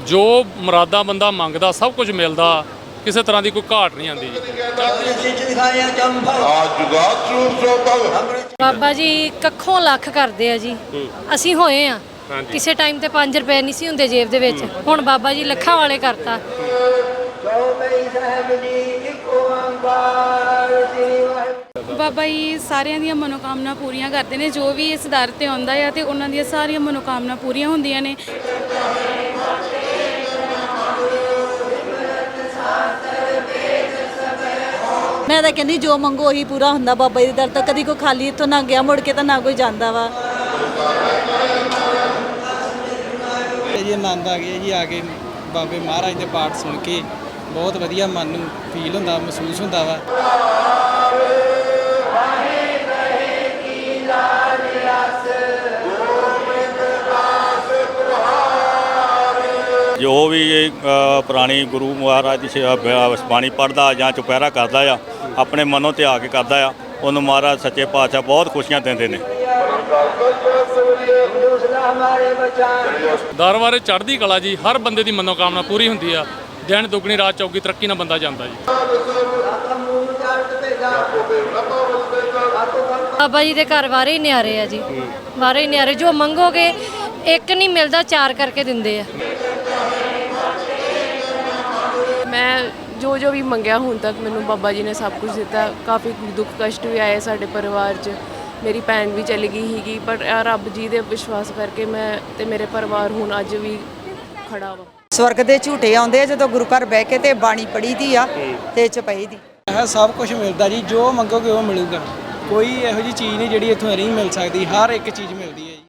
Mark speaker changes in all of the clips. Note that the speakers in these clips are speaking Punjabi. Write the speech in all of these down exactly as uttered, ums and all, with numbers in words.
Speaker 1: जो मुरादा बंदा मंगदा सब कुछ मिलता, किसी तरह की कोई घाट नहीं आती जी।
Speaker 2: बाबा जी कखों लख करते हैं जी, असी होए हाँ किसी टाइम ते पाँच रुपए नहीं सी हुंदे जेब दे विच, हुण बाबा जी लखां वाले करता।
Speaker 3: बाबा जी सारिਆਂ ਦੀਆਂ ਮਨੋਕਾਮਨਾ ਪੂਰੀਆਂ ਕਰਦੇ ਨੇ, ਜੋ ਵੀ ਇਸ ਦਰ ਤੇ ਆਉਂਦਾ ਹੈ ਤੇ ਉਹਨਾਂ ਦੀਆਂ ਸਾਰੀਆਂ ਮਨੋਕਾਮਨਾ ਪੂਰੀਆਂ ਹੁੰਦੀਆਂ ਨੇ।
Speaker 4: मैं तो कहनी जो मंगो ही पूरा होंदा बाबा जी दर तो, कभी कोई खाली इतों ना गया मुड़ के तो ना कोई जाता वा।
Speaker 5: जी आनंद आ गया जी, आके बाबे महाराज के पाठ सुन के बहुत वधिया मन नूं फील होंदा, महसूस होंदा वा।
Speaker 6: जो भी पुरानी गुरु महाराज की बाणी पढ़दा जां चुपहरा करदा आ, अपने मनों ते आके करदा आ, उन्होंने महाराज सच्चे पातशाह बहुत खुशियां देंदे ने।
Speaker 1: दर बारे चढ़दी कला जी, हर बंदे की मनोकामना पूरी होंदी आ। दिन दुगनी रात चौकी तरक्की नाल बंदा जांदा जी।
Speaker 2: बाबा जी के घर वारे ही न्यारे आ जी, वारे ही न्यारे, जो मंगोगे एक नहीं मिलता चार करके दिंदे आ।
Speaker 3: मैं जो जो भी मंगया ਹੁਣ तक ਮੈਨੂੰ बाबा जी ने सब कुछ दिता। काफ़ी दुख कष्ट भी आए साडे परिवार 'ਚ, मेरी भैन भी चली गई हीगी, पर रब जी दे विश्वास करके मैं ते मेरे परिवार ਹੁਣ ਅੱਜ ਵੀ ਖੜਾ ਵਾ।
Speaker 7: स्वर्ग ਦੇ ਝੂਟੇ ਆਉਂਦੇ ਆ ਜਦੋਂ ਗੁਰੂ ਘਰ ਬਹਿ ਕੇ ਤੇ ਬਾਣੀ ਪੜ੍ਹੀ ਦੀ ਆ ਤੇ ਚਪਈ ਦੀ।
Speaker 5: ਇਹ ਸਭ ਕੁਝ ਮਿਲਦਾ ਜੀ, ਜੋ ਮੰਗੋਗੇ ਉਹ ਮਿਲੂਗਾ। ਕੋਈ ਇਹੋ ਜਿਹੀ ਚੀਜ਼ ਨਹੀਂ ਜਿਹੜੀ ਇੱਥੋਂ ਨਹੀਂ ਮਿਲ ਸਕਦੀ, ਹਰ ਇੱਕ ਚੀਜ਼ ਮਿਲਦੀ ਹੈ ਜੀ।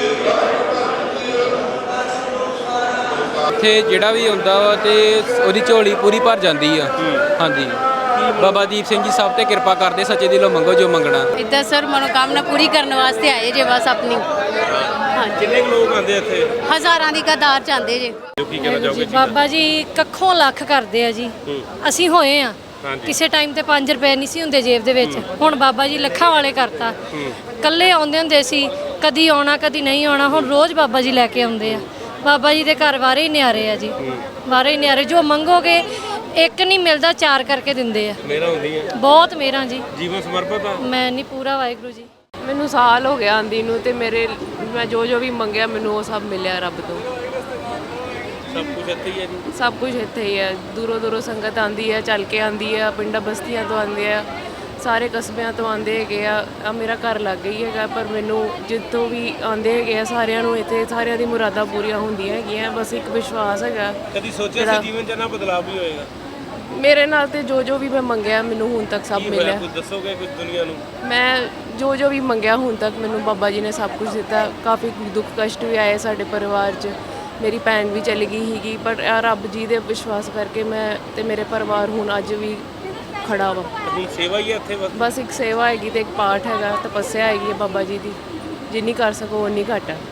Speaker 8: ਇੱਥੇ ਜਿਹੜਾ ਵੀ ਆਉਂਦਾ ਵਾ ਤੇ ਉਹਦੀ ਝੋਲੀ ਪੂਰੀ ਭਰ ਜਾਂਦੀ ਆ। ਹਾਂਜੀ, ਬਾਬਾ ਦੀਪ ਸਿੰਘ ਜੀ ਸਭ ਤੇ ਕਿਰਪਾ ਕਰਦੇ, ਸੱਚੇ ਦਿਲੋਂ ਮੰਗੋ ਜੋ ਮੰਗਣਾ।
Speaker 3: ਇੱਦਾਂ ਸਰ ਮਨੋਕਾਮਨਾ ਪੂਰੀ ਕਰਨ ਵਾਸਤੇ ਆਏ ਜੇ ਬਸ ਆਪਣੀ। ਹਾਂਜੀ,
Speaker 9: ਕਿੰਨੇ ਲੋਕ ਆਉਂਦੇ ਇੱਥੇ?
Speaker 3: ਹਜ਼ਾਰਾਂ ਦੀ ਕਤਾਰ ਚ ਆਉਂਦੇ ਜੇ।
Speaker 9: ਕੀ ਕਹਿਣਾ ਚਾਹੋਗੇ?
Speaker 2: बाबा जी कखों लख करते हैं जी, असी होए हाँ किसी टाइम ते पाँच रुपए नहीं सी हुंदे जेब दे विच, हुण बाबा जी लखां वाले करता। कल्ले आउंदे हुंदे सी, कदी आउणा कदी नहीं आउणा, हुण रोज़ बाबा जी लैके आउंदे आ। बाबा जी के घर वारे ही न्यारे आ जी, वारे ही न्यारे, जो मंगोगे एक नहीं मिलता चार करके दिंदे आ।
Speaker 9: मेरा होंदी है
Speaker 2: बहुत मेरा जी,
Speaker 9: जीवन समर्पित आ।
Speaker 2: मैं नहीं पूरा वाहिगुरू जी।
Speaker 3: ਮੈਨੂੰ ਸਾਲ ਹੋ ਗਿਆ ਆਂਦੀ ਨੂੰ ਤੇ ਮੇਰੇ ਮੈਂ ਜੋ ਜੋ ਵੀ ਮੰਗਿਆ ਮੈਨੂੰ ਉਹ ਸਭ ਮਿਲਿਆ ਰੱਬ ਤੋਂ।
Speaker 9: सब कुछ ਇੱਥੇ ਹੀ ਹੈ ਜੀ।
Speaker 3: ਸਭ ਕੁਝ ਇੱਥੇ ਹੀ ਹੈ। ਦੂਰੋਂ ਦੂਰੋਂ ਸੰਗਤ ਆਂਦੀ ਹੈ, ਚੱਲ ਕੇ ਆਂਦੀ ਹੈ, ਪਿੰਡਾਂ ਬਸਤੀਆਂ ਤੋਂ ਆਂਦੇ ਆ, ਸਾਰੇ ਕਸਬਿਆਂ ਤੋਂ ਆਂਦੇ ਹੈਗੇ ਆ। ਆ ਮੇਰਾ ਘਰ ਲੱਗ ਗਈ ਹੈਗਾ, ਪਰ ਮੈਨੂੰ ਜਿੱਥੋਂ ਵੀ ਆਂਦੇ ਹੈਗੇ ਆ ਸਾਰਿਆਂ ਨੂੰ ਇੱਥੇ ਸਾਰਿਆਂ ਦੀ ਮੁਰਾਦਾਂ ਪੂਰੀਆਂ ਹੁੰਦੀਆਂ ਹੈਗੀਆਂ। ਬਸ ਇੱਕ ਵਿਸ਼ਵਾਸ ਹੈਗਾ।
Speaker 9: ਕਦੀ ਸੋਚਿਆ ਸੀ ਜੀਵਨ 'ਚ ਨਾ ਬਦਲਾਅ ਵੀ ਹੋਏਗਾ?
Speaker 3: ਮੇਰੇ ਨਾਲ ਤੇ ਜੋ ਜੋ ਵੀ ਮੈਂ ਮੰਗਿਆ ਮੈਨੂੰ ਹੁਣ ਤੱਕ ਸਭ ਮਿਲਿਆ।
Speaker 9: ਕੁਝ ਦੱਸੋਗੇ ਕੁਝ ਦੁਨੀਆ ਨੂੰ?
Speaker 3: ਮੈਂ ਜੋ ਜੋ ਵੀ ਮੰਗਿਆ ਹੁਣ ਤੱਕ ਮੈਨੂੰ ਬਾਬਾ ਜੀ ਨੇ ਸਭ ਕੁਝ ਦਿੱਤਾ। ਕਾਫੀ ਦੁੱਖ ਕਸ਼ਟ ਵੀ ਆਏ ਸਾਡੇ ਪਰਿਵਾਰ 'ਚ, ਮੇਰੀ ਭੈਣ ਵੀ ਚਲੀ ਗਈ ਹੀਗੀ, ਪਰ ਰੱਬ ਜੀ ਦੇ ਵਿਸ਼ਵਾਸ ਕਰਕੇ ਮੈਂ ਤੇ ਮੇਰੇ ਪਰਿਵਾਰ ਹੁਣ ਅੱਜ ਵੀ ਖੜਾ ਵਾ।
Speaker 9: ਆਪਣੀ ਸੇਵਾ ਹੀ ਹੈ ਇੱਥੇ ਬਸ?
Speaker 3: ਬਸ ਇੱਕ ਸੇਵਾ ਹੈਗੀ ਤੇ ਇੱਕ ਪਾਠ ਹੈਗਾ, ਤਪੱਸਿਆ ਹੈਗੀ ਹੈ ਬਾਬਾ ਜੀ ਦੀ, ਜਿੰਨੀ ਕਰ ਸਕੋ ਉਨੀ ਘੱਟ ਹੈ।